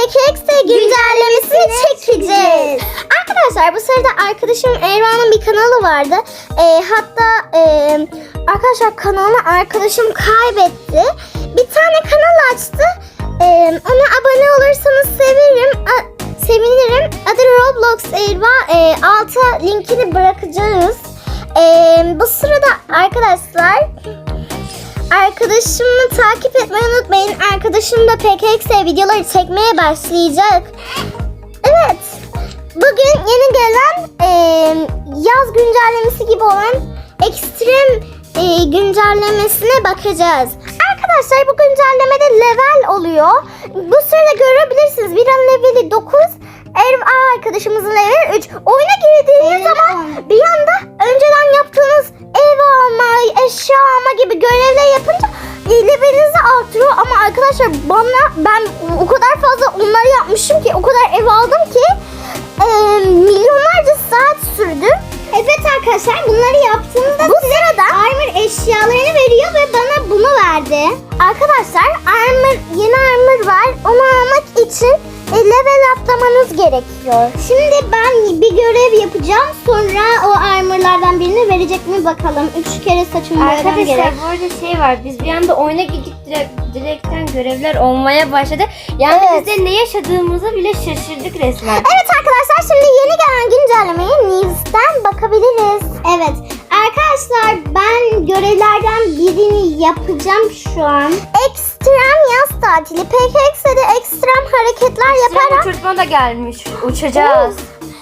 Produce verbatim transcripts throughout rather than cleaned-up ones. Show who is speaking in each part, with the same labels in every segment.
Speaker 1: K X D güncellemesini çekeceğiz. Arkadaşlar bu sırada arkadaşım Erva'nın bir kanalı vardı. Ee, hatta e, arkadaşlar kanalını arkadaşım kaybetti. Bir tane kanal açtı. Ee, ona abone olursanız sevinirim. A- sevinirim. Adı Roblox Erva. Ee, alta linkini bırakacağız. Ee, bu sırada arkadaşlar arkadaşımı takip etmeyi unutmayın. Arkadaşım da P K X D videoları çekmeye başlayacak. Evet. Bugün yeni gelen e, yaz güncellemesi gibi olan ekstrem e, güncellemesine bakacağız. Arkadaşlar bu güncellemede level oluyor. Bu sırada görebilirsiniz. Bir an leveli dokuz. Erva arkadaşımızın leveli üç. Oyuna girdiğiniz zaman bir anda önceden yaptığınız ev alma, eşya alma gibi görevler yapınca levelinizi artırıyor. Ama arkadaşlar bana ben o kadar fazla onları yapmışım ki, o kadar ev aldım ki e, milyonlarca saat sürdü. Evet arkadaşlar, bunları yaptığınızda bu sırada armor eşyalarını veriyor ve bana bunu verdi. Arkadaşlar armor, yeni armor var. Onu almak için e, level atlamanız gerekiyor. Şimdi ben bir görev yapacağım. Sonra o armorlardan birini verecek mi bakalım. Üç kere saçımı boyamam gerek.
Speaker 2: Arkadaşlar bu arada şey var. Biz bir anda oyuna gittik, direkt, direkten görevler olmaya başladı. Yani
Speaker 1: Evet.
Speaker 2: biz de ne yaşadığımızı bile şaşırdık resmen.
Speaker 1: Evet arkadaşlar, şimdi yeni gelen güncellemeye News'ten bakabiliriz. Evet arkadaşlar, ben görevlerden birini yapacağım şu an. Ekstrem yaz tatili. P K X D'de ekstrem hareketler
Speaker 2: Ekstrem
Speaker 1: yaparak
Speaker 2: uçurtma da gelmiş. Uçacağız.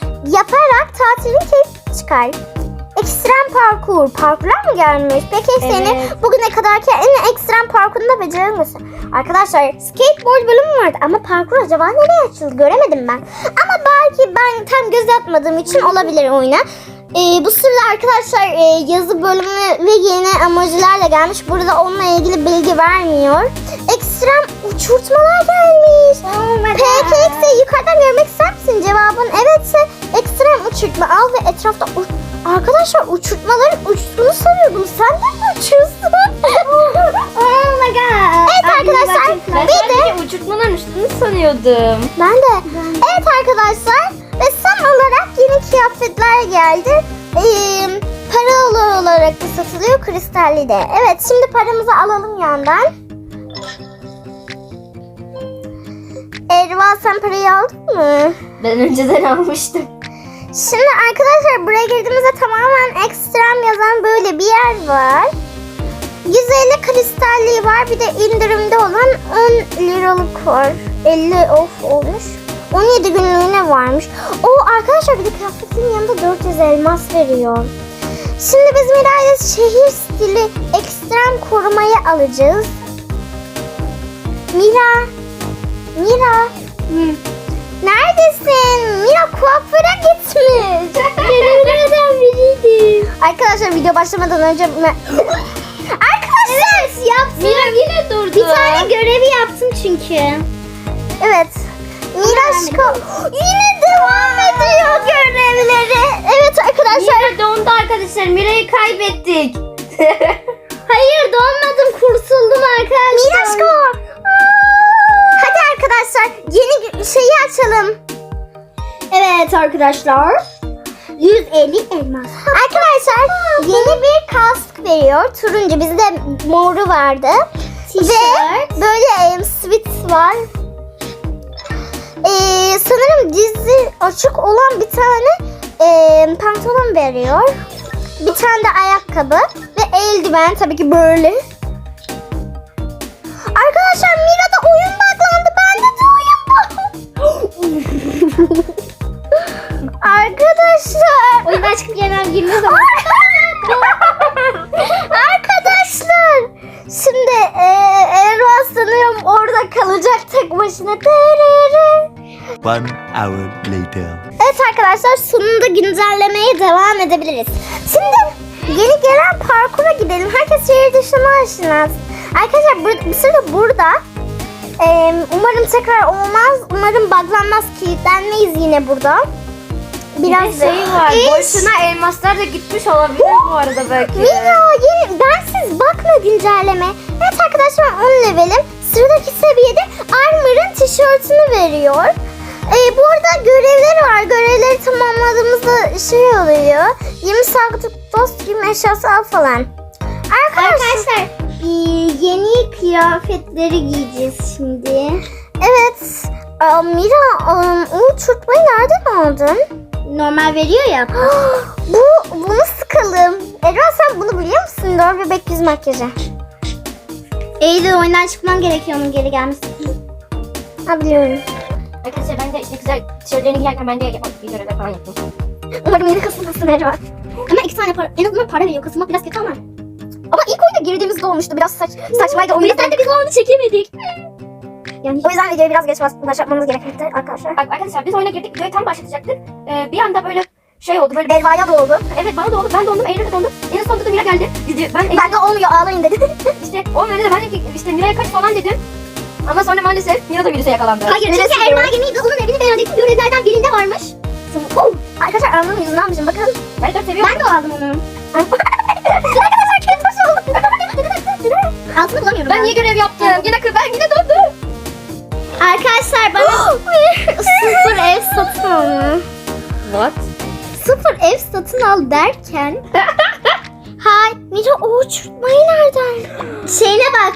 Speaker 1: yaparak tatilin keyfi çıkar. Ekstrem parkur. Parkurlar mı gelmiş? P K X D'nin
Speaker 2: Evet.
Speaker 1: bugüne kadarki en ekstrem parkurunu da becerilmesi. Arkadaşlar skateboard bölümü vardı ama parkur acaba nereye açıldı göremedim ben. Ama belki ben tam göz atmadığım için olabilir oyuna. Ee, bu sırada arkadaşlar e, yazı bölümü ve yeni emojilerle gelmiş. Burada onunla ilgili bilgi vermiyor. Ekstrem uçurtmalar gelmiş.
Speaker 2: Oh
Speaker 1: P K X D'yi yukarıdan görmek ister misin? Cevabın evetse ekstrem uçurtma al ve etrafta uç... Arkadaşlar uçurtmaların uçtuğunu sanıyordum. Sen de mi uçuyorsun? Oh my god. Evet arkadaşlar,
Speaker 2: Ben
Speaker 1: bir de
Speaker 2: sadece uçurtmaların uçtuğunu sanıyordum.
Speaker 1: ben de. Evet arkadaşlar, ve son olarak yeni kıyafetler geldi. Ee, paralı olarak da satılıyor, kristalli de. Evet, şimdi paramızı alalım yandan. Erva, sen parayı aldın mı?
Speaker 2: Ben önceden almıştım.
Speaker 1: Şimdi arkadaşlar buraya girdiğimizde tamamen ekstrem yazan böyle bir yer var. yüz elli kristalliği var, bir de indirimde olan on liralık var. elli off olmuş. on yedi günlüğüne varmış. O arkadaşlar bir de kıyafetin yanında dört yüz elmas veriyor. Şimdi biz Miray'la şehir stili ekstrem korumayı alacağız. Mira. Mira.
Speaker 2: Hı.
Speaker 1: Neredesin? Mira kuaföre gitmiş. Görevlerden biriydi. Arkadaşlar video başlamadan önce... Arkadaşlar evet, yaptım.
Speaker 2: Mira yine durdu.
Speaker 1: Bir tane görevi yaptım çünkü. Evet. Miraşko yine devam ediyor görevleri. Evet arkadaşlar.
Speaker 2: Mira dondu arkadaşlar. Mira'yı kaybettik.
Speaker 1: Hayır, donmadım, kurtuldum arkadaşlar. Miraşko. Hadi arkadaşlar yeni şeyi açalım. Evet arkadaşlar. yüz elli elmas. Arkadaşlar yeni bir kask veriyor. Turuncu, bizde moru vardı. Ve böyle e, sweat var. Ee, sanırım dizi açık olan bir tane e, pantolon veriyor. Bir tane de ayakkabı ve eldiven, tabii ki böyle. Arkadaşlar Mira'da oyun buglandı. Bende de oyun buglandı. Arkadaşlar.
Speaker 2: Oyundan çıkıp yeniden girmez ama.
Speaker 1: Arkadaşlar. Şimdi e, Erva sanıyorum orada kalacak tek başına.
Speaker 3: One hour later.
Speaker 1: Evet arkadaşlar, sonunda güncellemeye devam edebiliriz. Şimdi yeni gelen parkura gidelim. Herkes şehir dışına aşinaz. Arkadaşlar burada, bir sırada burada. Ee, umarım tekrar olmaz. Umarım buglanmaz, kilitlenmeyiz yine burada.
Speaker 2: Biraz
Speaker 1: Biraz
Speaker 2: bir şey var.
Speaker 1: İş.
Speaker 2: Boşuna elmaslar da gitmiş olabilir bu arada belki.
Speaker 1: Mira, yeni bensiz bakma güncelleme. Evet arkadaşlar, on levelim. Sıradaki seviyede Armor'ın tişörtünü veriyor. Ee, bu arada görevleri var. Görevleri tamamladığımızda şey oluyor. yirmi saatlik dost, yirmi eşyası al falan. Arkadaşlar,
Speaker 2: Arkadaşlar e, yeni kıyafetleri giyeceğiz şimdi.
Speaker 1: evet. Aa, Mira, um, o uçurtmayı nereden aldın?
Speaker 2: Normal veriyor ya.
Speaker 1: Bu, bunu sıkalım. Erva, sen bunu biliyor musun? Dört bebek yüz makyajı.
Speaker 2: Eylül oyundan çıkmam gerekiyor onun geri gelmesi.
Speaker 1: Ha, biliyorum.
Speaker 2: Arkadaşlar ben de işte güzel tişörtlerini giyerken ben de bir görevler falan yaptım.
Speaker 1: Umarım yeni kasılmasın Erva.
Speaker 2: Ama iki tane para, en azından para veriyor. Kasılmak biraz kötü ama.
Speaker 1: Ama ilk oyunda girdiğimizde olmuştu. Biraz saç, saçmaydı. O
Speaker 2: O
Speaker 1: yüzden,
Speaker 2: yüzden de biz onu çekemedik. Yani
Speaker 1: o yüzden videoyu biraz geç baş- başlatmamız gerekmekte arkadaşlar.
Speaker 2: Bak arkadaşlar biz oyuna girdik, videoyu tam başlatacaktık. Ee, bir anda böyle şey oldu, böyle
Speaker 1: Erva'ya da oldu.
Speaker 2: evet bana da oldu, ben de oldum, Eylül'e de oldu. En sonunda da Mira geldi. Biz de, ben
Speaker 1: Ben de olmuyor, ağlayın dedi.
Speaker 2: işte o nerede ben de ki işte Mira'ya kaç falan dedim. Ama sonra maalesef Mira da virüse yakalandı.
Speaker 1: Hayır,
Speaker 2: Neresi
Speaker 1: çünkü
Speaker 2: diyorum?
Speaker 1: Erva gemiydi. Onun evini beğendik. Görevlerden birinde varmış. Oh, arkadaşlar Erva'nın yüzünü almışım. Bakın.
Speaker 2: Ben dört seviyorum.
Speaker 1: Ben de aldım onu. Arkadaşlar kendi başı oldu. Altını bulamıyorum.
Speaker 2: Ben niye görev yaptım? Yine kır, ben yine döndüm.
Speaker 1: Arkadaşlar bana sıfır ev satın al.
Speaker 2: What?
Speaker 1: Sıfır ev satın al derken. Hay Mira, o uçurtmayı nereden? Şeyine bak.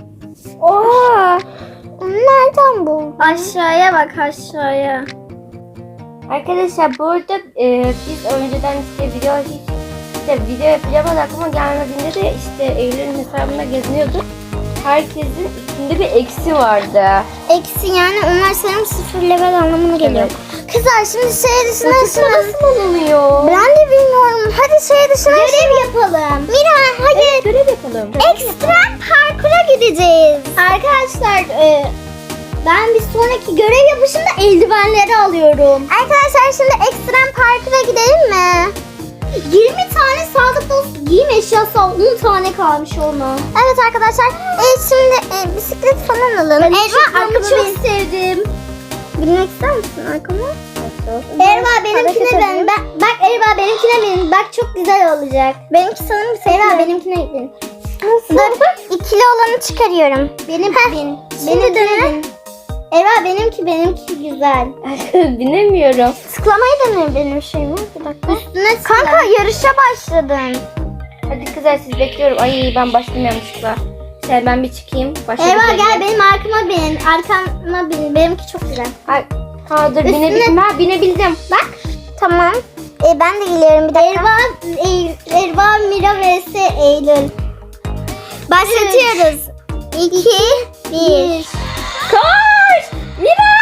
Speaker 2: Oha.
Speaker 1: Nereden bu?
Speaker 2: Aşağıya bak, aşağıya. Arkadaşlar burada e, biz önceden işte video hiç işte video yapacağım ama aklıma gelmediğinde de işte Eylül'ün hesabında geziniyorduk. Herkesin içinde bir eksi vardı.
Speaker 1: Eksi, yani onlar sanırım sıfır level anlamına geliyor.
Speaker 2: Evet.
Speaker 1: Kızlar şimdi şehir dışına ışınlanın.
Speaker 2: Nasıl olunuyor?
Speaker 1: Ben de bilmiyorum. Hadi şehir dışına
Speaker 2: Görev yapalım.
Speaker 1: Mira, hadi.
Speaker 2: Evet, görev yapalım.
Speaker 1: Ekstrem parkura gideceğiz. Arkadaşlar e, ben bir sonraki görev yapışında eldivenleri alıyorum. Arkadaşlar şimdi ekstrem parkura gidelim mi?
Speaker 2: yirmi tane sağlık dostu giyim eşyası al. on tane kalmış ona.
Speaker 1: Evet arkadaşlar. E, şimdi e, bisiklet falan alalım.
Speaker 2: Ben
Speaker 1: Erva, arkama
Speaker 2: çok
Speaker 1: bin.
Speaker 2: sevdim.
Speaker 1: Binmek ister misin arkama?
Speaker 2: Erva benimkine ben. ben. Bak Erva benimkine bin. Bak çok güzel olacak.
Speaker 1: Benimki sanırım
Speaker 2: Erva
Speaker 1: sekiz.
Speaker 2: benimkine bin.
Speaker 1: Dur, ikili olanı çıkarıyorum.
Speaker 2: Benim
Speaker 1: Heh,
Speaker 2: bin.
Speaker 1: şimdi
Speaker 2: Benimkine
Speaker 1: dene.
Speaker 2: bin. Erva benimki benimki güzel. Binemiyorum.
Speaker 1: Tıklamayı dene benim şeyimi. Bir dakika.
Speaker 2: Üstüne
Speaker 1: Kanka yarışa başladın.
Speaker 2: Hadi kızlar siz bekliyorum. Ay ben başladım yanlışlıkla. Şey ben bir çıkayım. Başladım.
Speaker 1: Erva gel benim arkama bin. Arkama bin. Benimki çok güzel.
Speaker 2: Ay, ha dur
Speaker 1: Üstüne-
Speaker 2: binebildim. Ha binebildim.
Speaker 1: Bak. Tamam. E, ben de geliyorum bir dakika.
Speaker 2: Erva, Ey- Erva, Mira vs Eylül.
Speaker 1: Başlatıyoruz. İki, bir.
Speaker 2: Koş! Mira!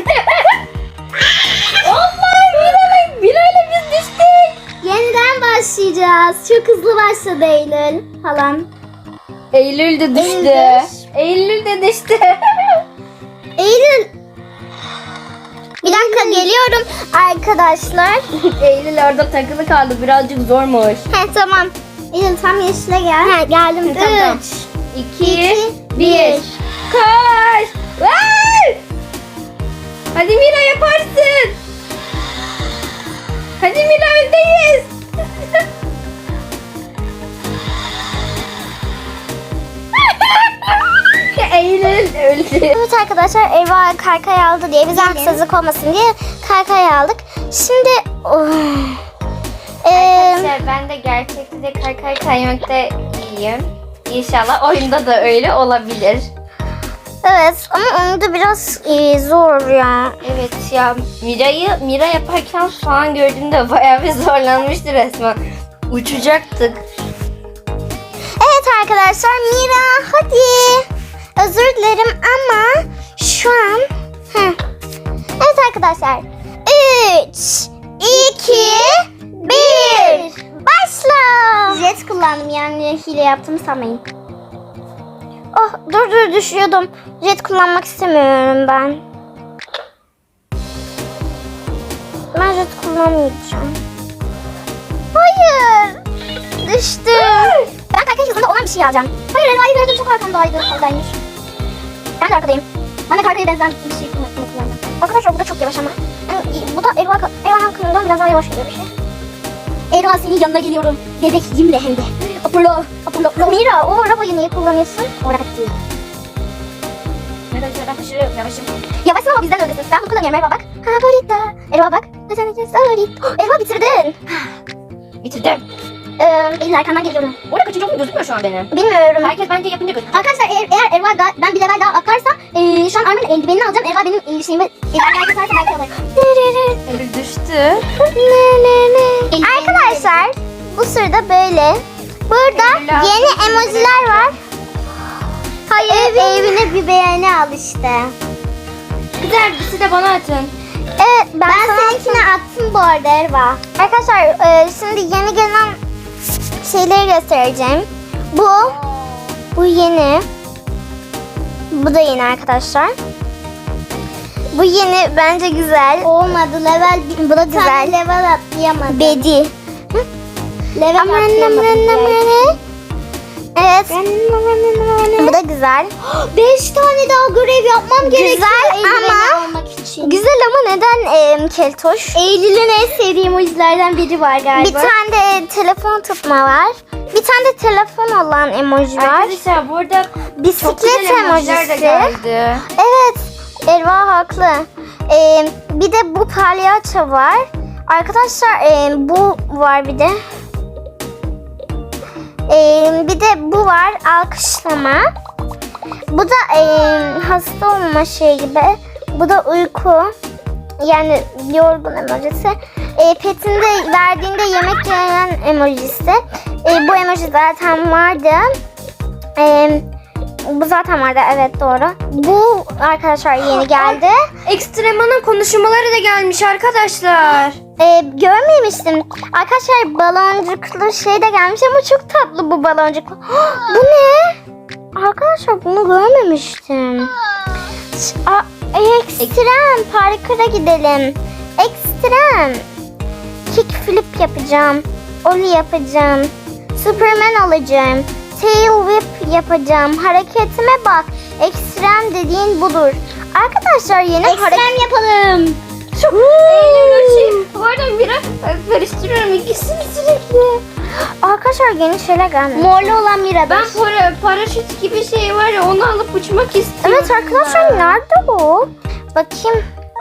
Speaker 2: Allah'ım Mira'yla Mira'yla biz düştük.
Speaker 1: Yeniden başlayacağız. Çok hızlı başladı Eylül falan.
Speaker 2: Eylül de düştü.
Speaker 1: Eylül.
Speaker 2: Eylül de düştü.
Speaker 1: Eylül. Bir dakika geliyorum arkadaşlar.
Speaker 2: Eylül orada takılı kaldı. Birazcık zormuş.
Speaker 1: He tamam. Eylül tam yeşile gel. He geldim.
Speaker 2: Tamam, tamam.
Speaker 1: Üç.
Speaker 2: İki,
Speaker 1: İki,
Speaker 2: bir.
Speaker 1: bir.
Speaker 2: Koş! Vay! Hadi Mira yaparsın. Hadi Mira öndeyiz. Eylül öldü.
Speaker 1: Evet arkadaşlar, Erva kaykay aldı diye bize haksızlık olmasın diye kaykay aldık. Şimdi oh. Ee,
Speaker 2: Arkadaşlar ben de gerçekte de kaykay kaymakta iyiyim. İnşallah oyunda da öyle olabilir.
Speaker 1: evet ama onu da biraz e, zor ya.
Speaker 2: Evet ya Mira'yı Mira yaparken falan gördüğümde bayağı bir zorlanmıştı resmen. Uçacaktık.
Speaker 1: Evet arkadaşlar, Mira hadi. Özür dilerim ama şu an heh. Evet arkadaşlar, üç, iki, bir, başla. Jet kullandım, yani hile yaptım sanmayın. Oh dur dur düşüyordum. Jet kullanmak istemiyorum ben. Ben jet kullanmayacağım. Hayır. Düştüm. Ben kaykay hızında olan bir şey alacağım. Hayır, Elva'yı gördüm, çok arkamdaydı. Oradaymış. Ben de arkadayım. Ben de kaykaya benzer bir şey kullanacağım. Arkadaşlar bu da çok yavaş ama. Yani, bu da Elva, Elva'nın kanından biraz daha yavaş gidiyor bir şey. Elva senin yanına geliyorum. Bebeğimle hem de. Apollo, Apollo. Mira, o arabayı niye kullanıyorsun? O araba değil.
Speaker 2: Arkadaşlar ben taşıyorum yavaşım.
Speaker 1: Yavaşsın ama bizden hızlısın. Ben bunu kullanıyorum Erva bak. Favorita. Erva bak. Favorit. Erva bitirdin.
Speaker 2: Bitirdim.
Speaker 1: Ee, Eylül arkandan geliyorum.
Speaker 2: Orada kaçıncı olduğum gözükmüyor şu an benim.
Speaker 1: Bilmiyorum.
Speaker 2: Herkes bence yapınca gözüküyor.
Speaker 1: Arkadaşlar eğer, eğer Erva da, ben bir level daha akarsa e, şu an Armin'in eldivenini alacağım. Erva benim e, şeyimi ileride atarsa belki alır.
Speaker 2: Eylül düştü.
Speaker 1: Arkadaşlar bu sırada böyle. Burada
Speaker 2: Eylül abi.
Speaker 1: yeni emojiler var. Hayır evine bir beğeni al işte.
Speaker 2: Güzel birisi de bana atın.
Speaker 1: Evet ben, ben seninkine attım bu arada Erva. Arkadaşlar e, şimdi yeni gelen şeyleri göstereceğim. Bu bu yeni. Bu da yeni arkadaşlar. Bu yeni bence güzel. Olmadı level bu da güzel. Level atlayamadım. Bedi. Level atlayamadım. Evet. Bu da güzel. Beş tane daha görev yapmam gerekiyor. Güzel ama almak için. Güzel ama neden e, keltoş? Eylül'ün en sevdiğim o izlerden biri var galiba. Bir tane de telefon tutma var. Bir tane de telefon olan emoji var.
Speaker 2: Arkadaşlar burada çok
Speaker 1: Bisiklet
Speaker 2: güzel emojiler de
Speaker 1: emojisi.
Speaker 2: geldi.
Speaker 1: Evet. Erva haklı. Ee, bir de bu palyaço var. Arkadaşlar e, bu var bir de. Ee, bir de bu var alkışlama. Bu da e, hasta olma şey gibi. Bu da uyku. Yani yorgun emojisi. E, petinde verdiğinde yemek yiyen emojisi. E, bu emoji zaten vardı. E, bu zaten vardı evet doğru. Bu arkadaşlar yeni geldi.
Speaker 2: Ekstremanın konuşmaları da gelmiş arkadaşlar.
Speaker 1: Ee, görmemiştim. Arkadaşlar baloncuklu şey de gelmiş ama çok tatlı bu baloncuklu. Bu ne? Arkadaşlar bunu görmemiştim. Aa, ekstrem. Parkura gidelim. Ekstrem. Kickflip yapacağım. Ollie yapacağım. Superman olacağım. Tail whip yapacağım. Hareketime bak. Ekstrem dediğin budur. Arkadaşlar yeni hareket yapalım.
Speaker 2: Çok eğlenceli şey. Bu arada biraz karıştırıyorum ikisini sürekli.
Speaker 1: Arkadaşlar yeni şeyler gelmiş. Morlu olan Mira.
Speaker 2: Ben para, paraşüt gibi şey var ya onu alıp uçmak istiyorum.
Speaker 1: Evet arkadaşlar nerede bu? Bakayım.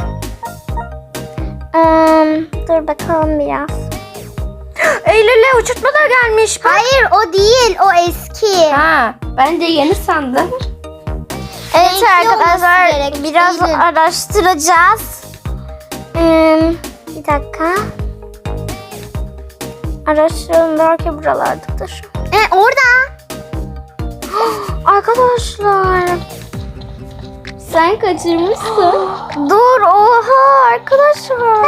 Speaker 1: Ee, dur bakalım biraz.
Speaker 2: Eylül'le uçurtma da gelmiş. Bak.
Speaker 1: Hayır o değil o eski.
Speaker 2: Ha, ben de yeni sandım.
Speaker 1: Evet
Speaker 2: Renkli
Speaker 1: arkadaşlar
Speaker 2: olması gerek,
Speaker 1: biraz
Speaker 2: Eylül.
Speaker 1: araştıracağız. Ee, bir dakika. Araştıralım belki buralardadır. E, orada. Arkadaşlar.
Speaker 2: Sen kaçırmışsın.
Speaker 1: Dur oha arkadaşlar.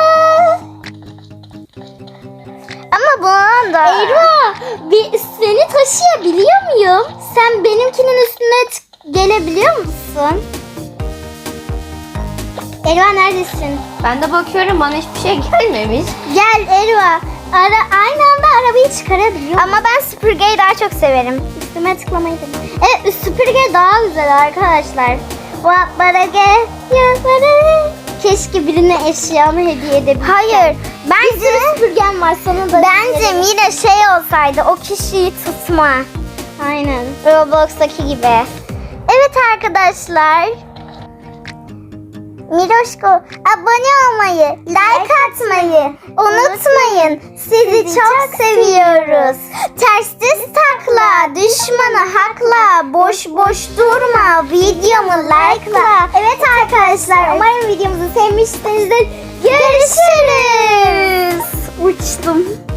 Speaker 1: Ama bunun da... Eyvah! Bir, seni taşıyabiliyor muyum? Sen benimkinin üstüne t- gelebiliyor musun? Erva neredesin?
Speaker 2: Ben de bakıyorum bana hiçbir şey gelmemiş.
Speaker 1: Gel Erva. Ara, aynı anda arabayı çıkarabiliyor. Ama ben süpürgeyi daha çok severim. Üstüme tıklamayı da. Evet süpürge daha güzel arkadaşlar. Bana gel. Keşke birine eşyamı hediye edebilsem. Hayır. Bence bir sürü süpürgem var sana da. Bence Mira şey olsaydı o kişiyi tutma. Aynen. Roblox'taki gibi. Evet arkadaşlar. Miroşko abone olmayı, like atmayı unutmayın. Sizi çok seviyoruz. Ters düz takla, düşmanı hakla, boş boş durma, videomu like'la. Evet arkadaşlar umarım videomuzu sevmişsinizdir. Görüşürüz. Uçtum.